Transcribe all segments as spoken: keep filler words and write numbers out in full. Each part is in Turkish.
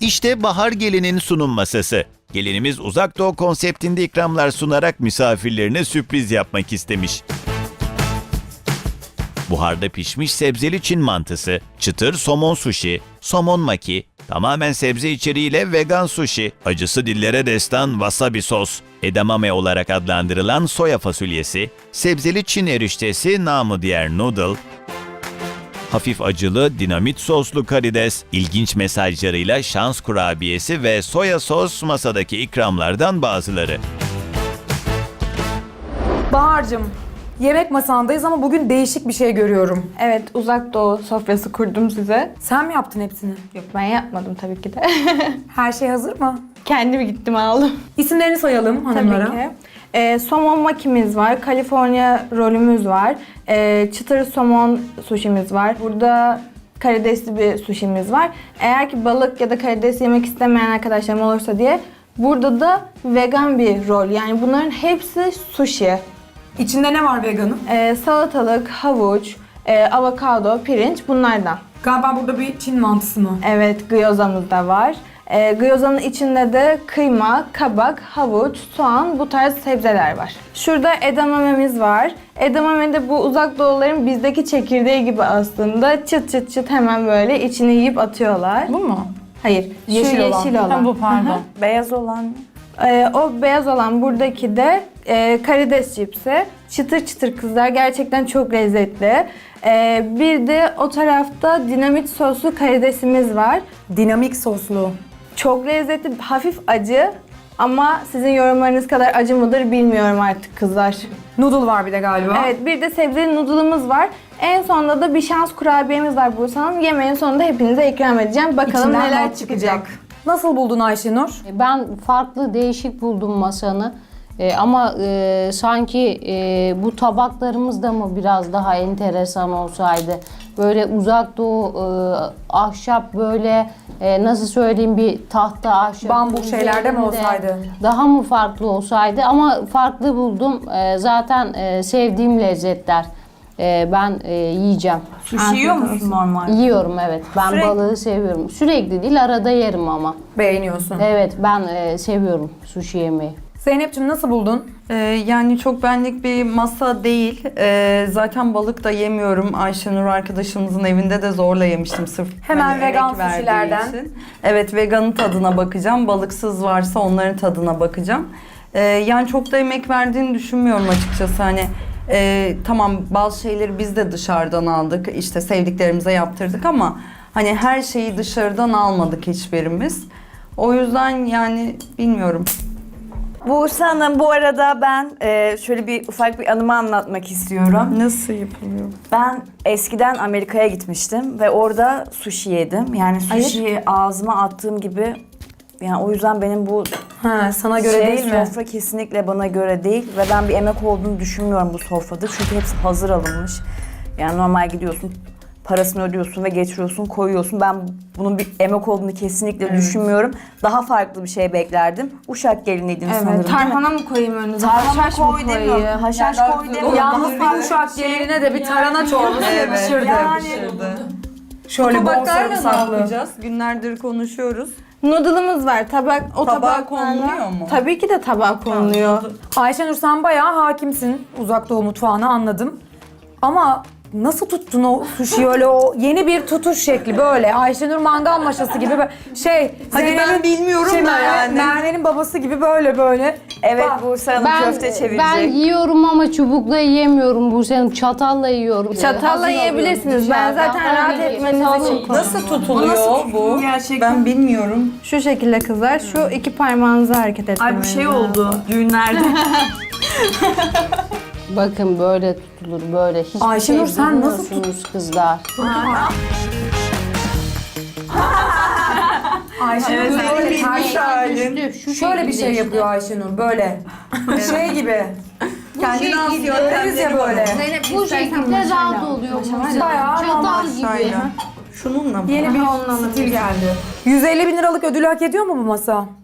İşte Bahar Gelin'in sunum masası. Gelinimiz Uzak Doğu konseptinde ikramlar sunarak misafirlerine sürpriz yapmak istemiş. Buharda pişmiş sebzeli Çin mantısı, çıtır somon sushi, somon maki, tamamen sebze içeriğiyle vegan sushi, acısı dillere destan wasabi sos, edamame olarak adlandırılan soya fasulyesi, sebzeli Çin eriştesi namı diğer noodle, hafif acılı dinamit soslu karides, ilginç mesajlarıyla şans kurabiyesi ve soya sos masadaki ikramlardan bazıları. Bahar'cığım, yemek masandayız ama bugün değişik bir şey görüyorum. Evet, uzak doğu sofrası kurdum size. Sen mi yaptın hepsini? Yok, ben yapmadım tabii ki de. Her şey hazır mı? Kendim gittim aldım. İsimlerini sayalım hanımlara. Tabii ki. Ee, somon makimiz var, California rolümüz var, ee, çıtır somon suşimiz var. Burada karidesli bir suşimiz var. Eğer ki balık ya da karides yemek istemeyen arkadaşlarım olursa diye burada da vegan bir rol. Yani bunların hepsi sushi. İçinde ne var veganın? Ee, salatalık, havuç, e, avokado, pirinç bunlardan. Galiba burada bir Çin mantısı mı? Evet, gyozamız da var. E, gyozanın içinde de kıyma, kabak, havuç, soğan bu tarz sebzeler var. Şurada edamamemiz var. Edamame de bu uzak doğuların bizdeki çekirdeği gibi aslında. Çıt çıt çıt hemen böyle içini yiyip atıyorlar. Bu mu? Hayır, Yeşil şu olan. yeşil olan. Ha, bu pardon. Hı hı. Beyaz olan Ee, o beyaz olan buradaki de e, karides cipsi. Çıtır çıtır kızlar, gerçekten çok lezzetli. Ee, bir de o tarafta dinamit soslu karidesimiz var. Dinamik soslu. Çok lezzetli, hafif acı ama sizin yorumlarınız kadar acı mıdır bilmiyorum artık kızlar. Noodle var bir de galiba. Evet, bir de sebzeli noodle'ımız var. En sonunda da bir şans kurabiyemiz var Buse Hanım. Yemeğin sonunda hepinize ikram edeceğim. Bakalım İçinden neler not çıkacak. Nasıl buldun Ayşenur? Ben farklı, değişik buldum masanı. Ee, ama e, sanki e, bu tabaklarımız da mı biraz daha enteresan olsaydı? Böyle uzak doğu e, ahşap böyle e, nasıl söyleyeyim bir tahta ahşap. Bambu şeylerde mi üzerinde olsaydı? Daha mı farklı olsaydı ama farklı buldum. E, zaten e, sevdiğim lezzetler. E, ben e, yiyeceğim. sushi yiyor musun normal? Yiyorum evet. Ben Sürekli- balığı seviyorum. Sürekli değil arada yerim ama. Beğeniyorsun. Evet ben e, seviyorum sushi yemeği. Zeynep'ciğim nasıl buldun? Ee, yani çok benlik bir masa değil. Ee, zaten balık da yemiyorum. Ayşenur arkadaşımızın evinde de zorla yemiştim sırf Hemen hani vegan emek verdiği sushilerden. için. Evet, veganın tadına bakacağım. Balıksız varsa onların tadına bakacağım. Ee, yani çok da emek verdiğini düşünmüyorum açıkçası. Hani e, tamam, bazı şeyleri biz de dışarıdan aldık. İşte sevdiklerimize yaptırdık ama hani her şeyi dışarıdan almadık hiçbirimiz. O yüzden yani bilmiyorum. Buse Hanım, bu arada ben e, şöyle bir ufak bir anımı anlatmak istiyorum. Nasıl yapılıyor? Ben eskiden Amerika'ya gitmiştim ve orada sushi yedim. Yani sushi'yi ağzıma attığım gibi, yani o yüzden benim bu Ha, sana göre şey, değil mi? sofra kesinlikle bana göre değil ve ben bir emek olduğunu düşünmüyorum bu sofrada. Çünkü hepsi hazır alınmış. Yani normal gidiyorsun, parasını ödüyorsun ve getiriyorsun, koyuyorsun. Ben bunun bir emek olduğunu kesinlikle düşünmüyorum. Daha farklı bir şey beklerdim. Uşak geliniydiniz sanırım, Evet, değil mi? tarhana mı koyayım önünüze? Tarhana Haşhaş mı koy demiyorum. koyayım? Haşhaş koy demiyorum. Yalnız bir uşak gelinine de bir tarhana çorbası yakışırdı. Yani Şöyle bol Tabaklarla ne sarımsaklı. yapacağız? Günlerdir konuşuyoruz. Noodle'ımız var. Tabak, o Tabağa tabaklarla- konuluyor mu? Tabii ki de tabağa konuluyor. Ayşenur, sen bayağı hakimsin uzak doğu mutfağına, anladım. Ama nasıl tuttun o sushi'yi, öyle o yeni bir tutuş şekli böyle. Ayşenur mangal maşası gibi böyle şey. Hadi ben Zeynep'in- bilmiyorum şey, da Merve- yani. Merve'nin babası gibi böyle böyle. evet, Bak, Buse Hanım Ben, köfte çevirecek. ben yiyorum ama çubukla yiyemiyorum bu senin çatalla yiyorum. Çatalla Hazır yiyebilirsiniz. alıyorum Ben dışarıdan. zaten rahat Tabii ki, etmeniz tabii için ki. koydum. Nasıl tutuluyor bu? gerçekten? Ben bilmiyorum. Şu şekilde kızlar, şu iki parmağınızı hareket ettirmeniz Ay, bir şey lazım. oldu düğünlerde. Bakın böyle tutulur böyle. Hiçbir Ayşenur, şey sen nasıl bilmiyorsunuz kızlar. Ayşenur böyle ters- halin. Düştü, şu şöyle bir şekilde şey işte. yapıyor Ayşenur böyle. Şey gibi. Kendine has Deriz ya yöntemleri var. böyle. Bu şekilde rahat oluyor bu. Bayağı Çatal gibi. Şöyle. Şununla mı? Yeni bir stil geldi. yüz elli bin liralık ödülü hak ediyor mu bu masa?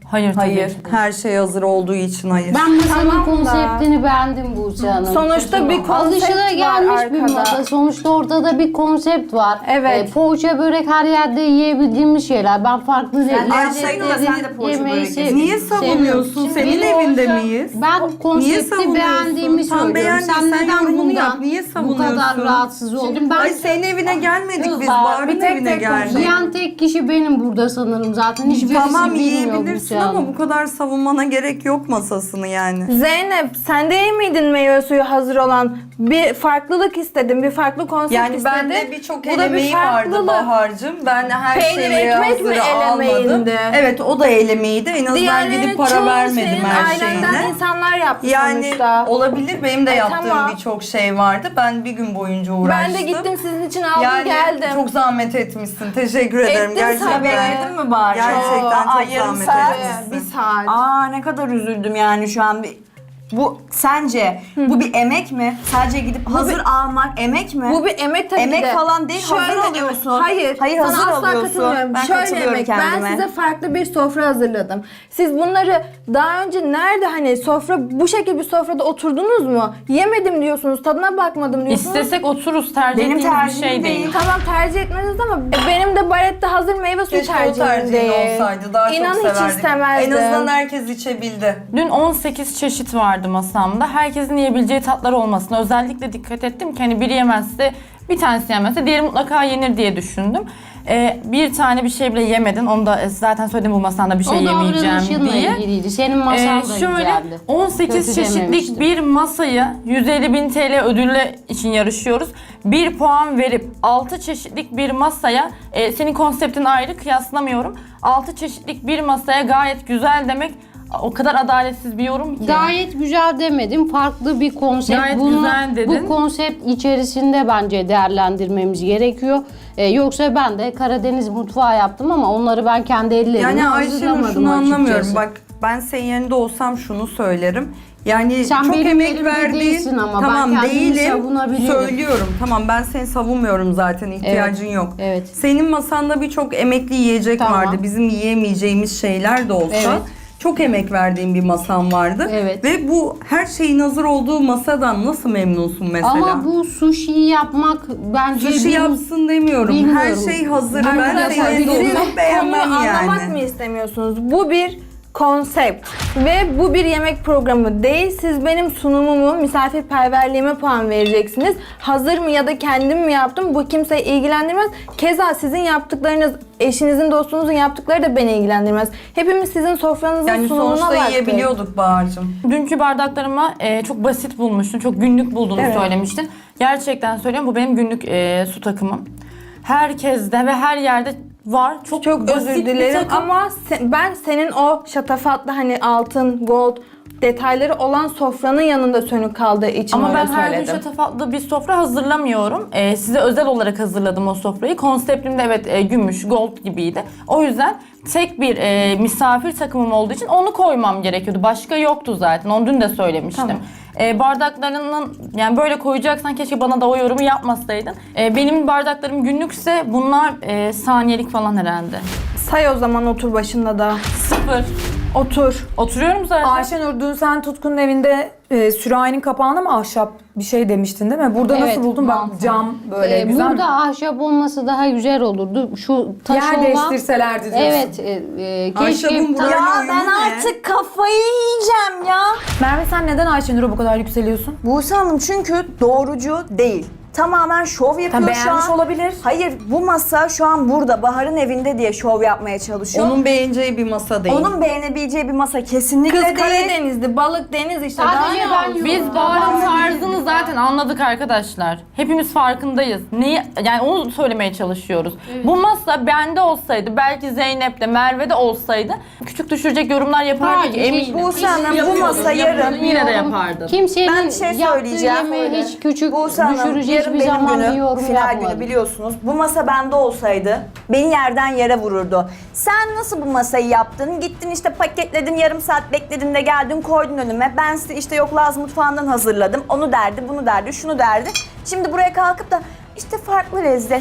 Hayır, tabii Hayır. ki. Her şey hazır olduğu için hayır. Ben masanın Tamam da. konseptini beğendim Buse Hanım. Sonuçta bir konsept Alışılagelmiş var bir arkada. masa. Sonuçta ortada bir konsept var. Evet. E, poğaça börek her yerde yiyebildiğimiz şeyler. Ben farklı Sen de lezzetleri yapsaydın da sen de poğaça yemeyi börek sev- yeseydin. Niye savunuyorsun? seviyorum. Senin Şimdi evinde poğaça- miyiz? Ben Niye konsepti savunuyorsun? beğendiğimi Tam söylüyorum. beğendiysen Sen neden yorumunu yap. bundan Niye bu savunuyorsun? kadar rahatsız oldun? Ben Ay senin evine gelmedik biz. Kızlar, Bahar'ın bir tek evine tek geldik. yiyen tek kişi benim burada sanırım zaten. Hiçbirisi Tamam bilmiyor yiyebilirsin Buse Hanım. ama bu kadar savunmana gerek yok masasını yani. Zeynep sen değil miydin meyve suyu hazır olan? Bir farklılık istedim, bir farklı konsept Yani istedim. bende birçok Bu da bir elemeği vardı farklılık. Bahar'cığım. Ben her Peynir, şeyi ekmek mi hazıra almadım. elemeğindi? Evet o da elemeğiydi. En azından Diğerlerinin gidip para çoğu vermedim senin her ailenden şeyine. insanlar yapmış Yani sonuçta. olabilir. Benim de E, yaptığım tamam. birçok şey vardı. Ben bir gün boyunca uğraştım. Ben de gittim sizin için aldım yani geldim. çok zahmet etmişsin. Teşekkür ederim. Ettim Gerçekten. tabii. Beğendin mi bari? Gerçekten Aa, çok yarım zahmet saat. etmişsin. Bir saat. Aa ne kadar üzüldüm yani şu an. Bir, bu sence bu bir emek mi? Sadece gidip hazır almak emek mi? Bu bir emek tabii Emek ki de. falan değil, hazır Şöyle- alıyorsun. Hayır, Hayır, sana hazır asla alıyorsun. katılmıyorum. Ben Şöyle katılıyorum emek, kendime. ben size farklı bir sofra hazırladım. Siz bunları daha önce nerede hani sofra, bu şekilde bir sofrada oturdunuz mu? Yemedim diyorsunuz, tadına bakmadım diyorsunuz. İstesek otururuz, tercih Benim ettiğimiz bir tercihim şey değil. değil. Tamam tercih etmeniz ama benim de barette hazır meyve suyu Keşke o tercihim tercihin değil. olsaydı. Daha İnan çok hiç severdik. istemezdim. En azından herkes içebildi. Dün on sekiz çeşit vardı masamda. Herkesin yiyebileceği tatlar olmasına özellikle dikkat ettim ki hani biri yemezse, bir tanesi yemezse diğeri mutlaka yenir diye düşündüm. Ee, bir tane bir şey bile yemedin. Onu da zaten söyledim bu masanda bir şey O yemeyeceğim davranışınla diye. ilgiliydi. Senin masan Ee, da şöyle güzeldi. on sekiz Kötü çeşitlik dememiştim. bir masayı yüz elli bin T L ödülle için yarışıyoruz. bir puan verip altı çeşitlik bir masaya, e, senin konseptin ayrı kıyaslamıyorum. altı çeşitlik bir masaya gayet güzel demek o kadar adaletsiz bir yorum ki. Gayet güzel demedim. Farklı bir konsept. Gayet Bunu, güzel dedin. Bu konsept içerisinde bence değerlendirmemiz gerekiyor. Ee, yoksa ben de Karadeniz mutfağı yaptım ama onları ben kendi ellerimle Yani Ayşenur hazırlamadım şunu açıkçası. anlamıyorum. Bak ben senin yerinde olsam şunu söylerim. Yani Sen çok benim emek yerimde verdiğin, değilsin ama ben tamam kendimi değilim, savunabiliyorum. söylüyorum. Tamam ben seni savunmuyorum zaten, ihtiyacın yok. evet. Senin masanda birçok emekli yiyecek Tamam. vardı. Bizim yiyemeyeceğimiz şeyler de olsa. Evet. Çok emek verdiğin bir masan vardı. Evet. Ve bu her şeyin hazır olduğu masadan nasıl memnunsun mesela? Ama bu sushi'yi yapmak bence Sushi bir- yapsın demiyorum. Her Bilmiyorum. şey hazır. Ben Arkadaşlar senin siz yerinde olsam beğenmem konuyu yani. anlamak mı istemiyorsunuz? Bu bir konsept ve bu bir yemek programı değil. Siz benim sunumumu, misafirperverliğime puan vereceksiniz. Hazır mı ya da kendim mi yaptım bu kimseyi ilgilendirmez. Keza sizin yaptıklarınız, eşinizin, dostunuzun yaptıkları da beni ilgilendirmez. Hepimiz sizin sofranızın Yani sunumuna sonuçta baktık. yiyebiliyorduk Bahar'cığım. Dünkü bardaklarıma e, çok basit bulmuştun, çok günlük bulduğunu Evet. söylemiştin. Gerçekten söylüyorum, bu benim günlük e, su takımım. Herkeste ve her yerde var. Çok, Çok basit özür bir dilerim takım. ama se- ben senin o şatafatlı hani altın, gold detayları olan sofranın yanında sönük kaldığı için Ama öyle ben her gün söyledim. şatafatlı bir sofra hazırlamıyorum. Ee, size özel olarak hazırladım o sofrayı. Konseptim de evet e, gümüş, gold gibiydi. O yüzden tek bir e, misafir takımım olduğu için onu koymam gerekiyordu. Başka yoktu zaten. Onu dün de söylemiştim. Tamam. E, bardaklarının yani böyle koyacaksan keşke bana da o yorumu yapmasaydın. E, benim bardaklarım günlükse bunlar e, saniyelik falan herhalde. Say o zaman otur başında da. Sıfır. Otur. Oturuyorum zaten. Ayşenur dün sen Tutku'nun evinde e, sürahinin kapağına mı ahşap bir şey demiştin değil mi? Burada Evet, nasıl buldun? Bak mantı. cam böyle Ee, güzel. burada ahşap olması daha güzel olurdu. Şu taş Yer olan... değiştirselerdi diyorsun. Evet. E, e, keşke... Ahşabın buraya Ya uyumu ben ne? artık kafayı yiyeceğim ya. Merve sen neden Ayşenur'a bu kadar yükseliyorsun? Buse Hanım çünkü doğrucu değil. Tamamen şov yapıyor Tam şu beğenmiş an. olabilir. Hayır bu masa şu an burada Bahar'ın evinde diye şov yapmaya çalışıyor. Onun beğeneceği bir masa değil. Onun beğenebileceği bir masa kesinlikle Kız değil. Karadeniz'di, balık deniz işte. Sadece Daha ne ben olsun? Biz Bahar'ın tarzını zaten anladık arkadaşlar. Hepimiz farkındayız. Neyi, yani onu söylemeye çalışıyoruz. Bu masa bende olsaydı, belki Zeynep'te, Merve'de olsaydı küçük düşürecek yorumlar yapardık Hayır, eminim. Buse Hanım bu Yapıyordum, masa yapıyordum, yarın. yine de yapardım. Kimsenin Ben bir şey yaptığı söyleyeceğim. yemeği hiç küçük Buse Hanım, düşürecek yarın bir benim zaman bir günüm, yorum final yapmadım. günü biliyorsunuz. Bu masa bende olsaydı beni yerden yere vururdu. Sen nasıl bu masayı yaptın? Gittin işte paketledin, yarım saat bekledin de geldin koydun önüme. Ben size işte yok Laz mutfağından hazırladım. Onu derdi, bunu derdi, şunu derdi. Şimdi buraya kalkıp da işte farklı lezzet.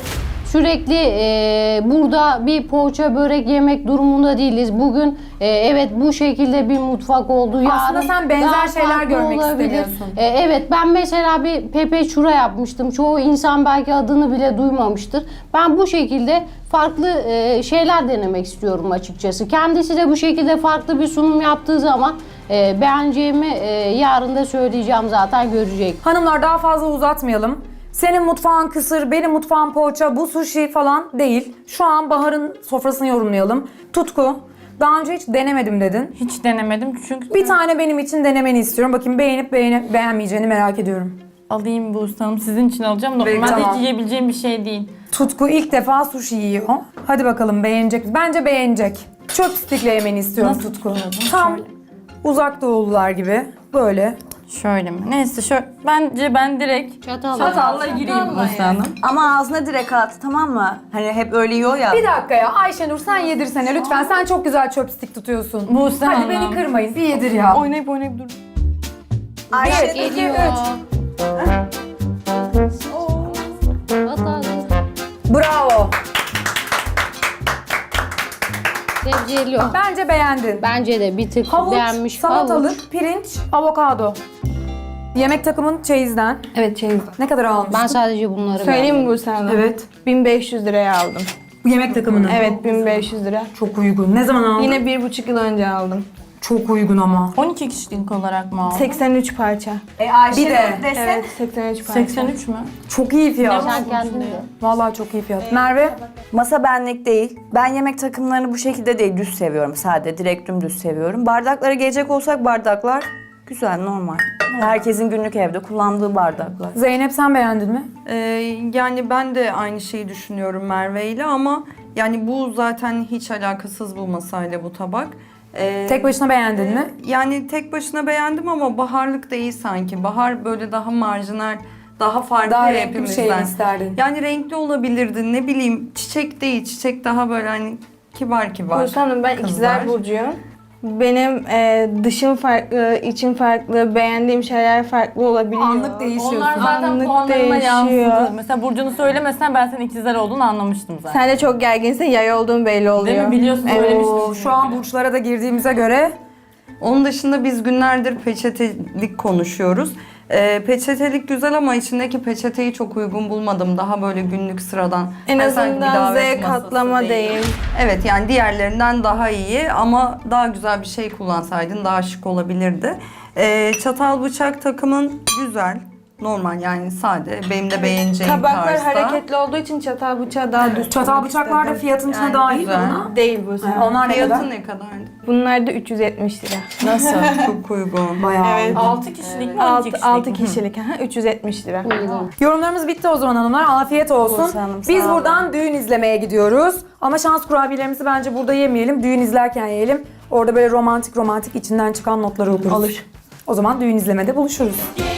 sürekli e, burada bir poğaça börek yemek durumunda değiliz. Bugün e, evet bu şekilde bir mutfak oldu. Aslında Yarın sen benzer daha şeyler farklı görmek olabilir. istemiyorsun. E, evet ben mesela bir pepe çura yapmıştım. Çoğu insan belki adını bile duymamıştır. Ben bu şekilde farklı e, şeyler denemek istiyorum açıkçası. Kendisi de bu şekilde farklı bir sunum yaptığı zaman e, beğeneceğimi e, yarın da söyleyeceğim, zaten görecek. Hanımlar daha fazla uzatmayalım. Senin mutfağın kısır, benim mutfağım poğaça, bu sushi falan değil. Şu an Bahar'ın sofrasını yorumlayalım. Tutku, daha önce hiç denemedim dedin. Hiç denemedim çünkü Bir tane benim için denemeni istiyorum. Bakayım beğenip beğenip beğenmeyeceğini merak ediyorum. alayım bu Hanım. Sizin için alacağım. Normalde Tamam. hiç yiyebileceğim bir şey değil. Tutku ilk defa sushi yiyor. Hadi bakalım beğenecek mi? Bence beğenecek. Chopstick'le yemeni istiyorum Nasıl Tutku. tutuyordun? Tam Şöyle. uzak doğulular gibi. Böyle. Şöyle mi? Neyse şöyle. Bence ben direkt Çatalla. çatalla gireyim bu Hanım. Ama ağzına direkt at, tamam mı? Hani hep öyle yiyor ya. Bir dakika ya Ayşenur sen yedirsene lütfen. Sen çok güzel chopstick tutuyorsun. Buse Hadi Hanım. beni kırmayın. Bir yedir ya. Oynayıp oynayıp dur. Ayşe, Geliyor. At hadi. Bravo. Sebzeli o. Bence beğendin. Bence de bir tık Havuç, beğenmiş. salatalık, Havuç. pirinç, avokado. Yemek takımın çeyizden. Evet çeyizden. Ne kadar almıştın? Ben sadece bunları Söyleyeyim mi beğendim. bu sana? Evet. bin beş yüz liraya aldım. Bu yemek takımını. Evet bin beş yüz lira. Çok uygun. Ne zaman aldın? Yine bir buçuk yıl önce aldım. Çok uygun ama. on iki kişilik olarak mı aldın? seksen üç parça. E, Ayşe Bir de. desen. Evet seksen üç parça. seksen üç mü? Çok iyi fiyat. Sen kendin de. Vallahi çok iyi fiyat. Merve? Masa benlik değil. Ben yemek takımlarını bu şekilde değil, düz seviyorum. Sade, direkt dümdüz seviyorum. Bardaklara gelecek olsak bardaklar güzel, normal. Herkesin günlük evde kullandığı bardaklar. Zeynep sen beğendin mi? Ee, yani ben de aynı şeyi düşünüyorum Merve ile ama yani bu zaten hiç alakasız bu masayla bu tabak. Ee, Tek başına beğendin mi? Yani tek başına beğendim ama baharlık da iyi sanki. Bahar böyle daha marjinal, daha farklı Daha ya renkli bir hepimizden. şey mi isterdin? Yani renkli olabilirdi, ne bileyim, çiçek değil, çiçek daha böyle hani kibar kibar. Buse Hanım ben kızlar. ikizler burcuyum. Benim e, dışım farklı, içim farklı, beğendiğim şeyler farklı olabiliyor. Anlık değişiyorsun. Onlar zaten Anlık puanlarına değişiyor. yansıdı. Mesela Burcu'nu söylemesen ben senin ikizler olduğunu anlamıştım zaten. Sen de çok gerginsin, yay olduğun belli oluyor. Değil mi? Biliyorsun Evet. söylemiştim. Oo, şu an burçlara da girdiğimize göre Onun dışında biz günlerdir peçetelik konuşuyoruz. Ee, peçetelik güzel ama içindeki peçeteyi çok uygun bulmadım. Daha böyle günlük sıradan. En Hani sanki bir azından davet Z masası katlama değil. Evet yani diğerlerinden daha iyi ama daha güzel bir şey kullansaydın daha şık olabilirdi. Ee, çatal bıçak takımın güzel. Normal yani sade. Benim de beğeneceğim Tabaklar tarzda. hareketli olduğu için çatal bıçağı daha düz çatal tutmak bıçaklar da istedim. fiyatın içine Yani dahil mi güzel. buna? Değil bu sefer. Onlar ne kadar? Fiyatı ne kadardı? Bunlar da üç yüz yetmiş lira. Nasıl? Çok uygun. Bayağı. Evet. altı kişilik mi on iki altı kişilik altı mi? kişilik. aha, üç yüz yetmiş lira. Uygun. Yorumlarımız bitti o zaman hanımlar. Afiyet olsun. Olsun hanım, sağ Biz olun. buradan düğün izlemeye gidiyoruz. Ama şans kurabiyelerimizi bence burada yemeyelim. Düğün izlerken yiyelim. Orada böyle romantik romantik içinden çıkan notları okuruz. Olur. O zaman düğün izlemede buluşuruz.